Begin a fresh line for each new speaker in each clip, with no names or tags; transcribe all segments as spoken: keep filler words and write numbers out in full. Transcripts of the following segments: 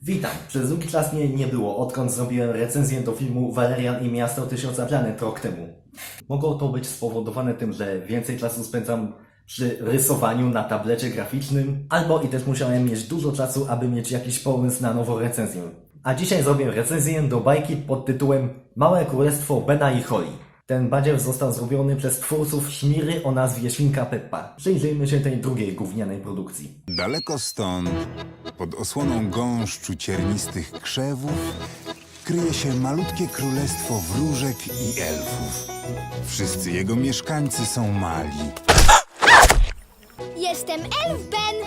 Witam! Przez długi czas mnie nie było, odkąd zrobiłem recenzję do filmu Valerian i Miasto Tysiąca Planet rok temu. Mogło to być spowodowane tym, że więcej czasu spędzam przy rysowaniu na tablecie graficznym, albo i też musiałem mieć dużo czasu, aby mieć jakiś pomysł na nową recenzję. A dzisiaj zrobię recenzję do bajki pod tytułem Małe Królestwo Bena i Holly. Ten badziew został zrobiony przez twórców Szmiry o nazwie Świnka Peppa. Przyjrzyjmy się tej drugiej gównianej produkcji.
Daleko stąd, pod osłoną gąszczu ciernistych krzewów, kryje się malutkie królestwo wróżek i elfów. Wszyscy jego mieszkańcy są mali.
Jestem Elf Ben.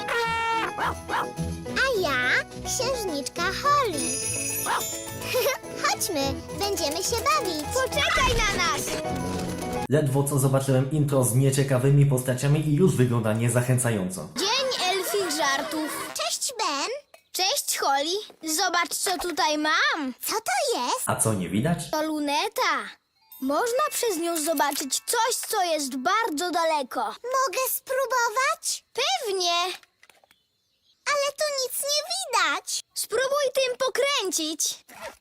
A ja księżniczka Holly. Chodźmy, będziemy się bawić. Poczekaj na nas!
Ledwo co zobaczyłem intro z nieciekawymi postaciami i już wygląda niezachęcająco.
Dzień elfich żartów. Cześć Ben. Cześć Holly. Zobacz co tutaj mam. Co to jest?
A co, nie widać?
To luneta. Można przez nią zobaczyć coś, co jest bardzo daleko. Mogę spróbować? Pewnie. Ale tu nic nie widać. Spróbuj tym pokręcić.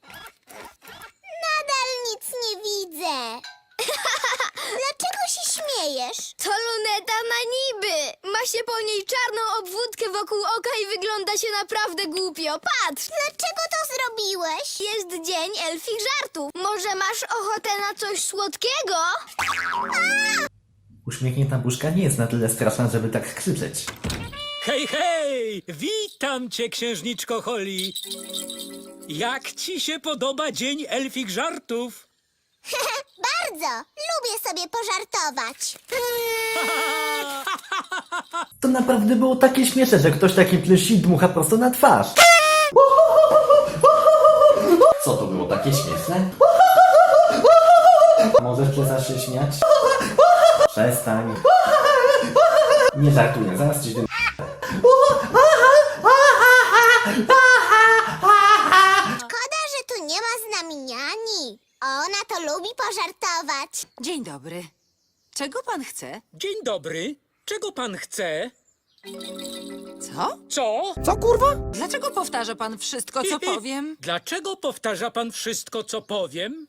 Nadal nic nie widzę. Dlaczego się śmiejesz? To luneta na niby. Ma się po niej czarną obwódkę wokół oka i wygląda się naprawdę głupio. Patrz! Dlaczego to zrobiłeś? Jest dzień elfich żartów. Może masz ochotę na coś słodkiego?
Uśmiechnięta buźka nie jest na tyle straszna, żeby tak krzyczeć.
Hej, hej! Witam cię, księżniczko Holly! Jak ci się podoba dzień elfich żartów?
Bardzo. Lubię sobie pożartować.
To naprawdę było takie śmieszne, że ktoś taki plysi dmucha prosto na twarz. Co to było takie śmieszne? Możesz przestać się śmiać? Przestań. Nie żartuję, zaraz ci tym...
Szkoda, że tu nie ma z nami niani. Ona to lubi pożartować.
Dzień dobry. Czego pan chce?
Dzień dobry. Czego pan chce?
Co?
Co?
Dlaczego powtarza pan wszystko, co powiem?
Dlaczego powtarza pan wszystko, co powiem?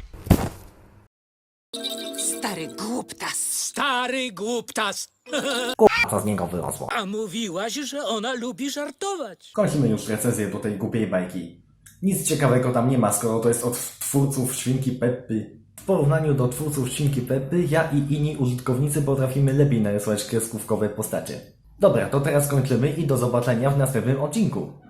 Stary głuptas.
Stary głuptas!
Co z niego wyrosło?
A mówiłaś, że ona lubi żartować.
Kończymy już recenzję do tej głupiej bajki. Nic ciekawego tam nie ma, skoro to jest od twórców Świnki Peppy. W porównaniu do twórców Świnki Peppy, ja i inni użytkownicy potrafimy lepiej narysować kreskówkowe postacie. Dobra, to teraz kończymy i do zobaczenia w następnym odcinku.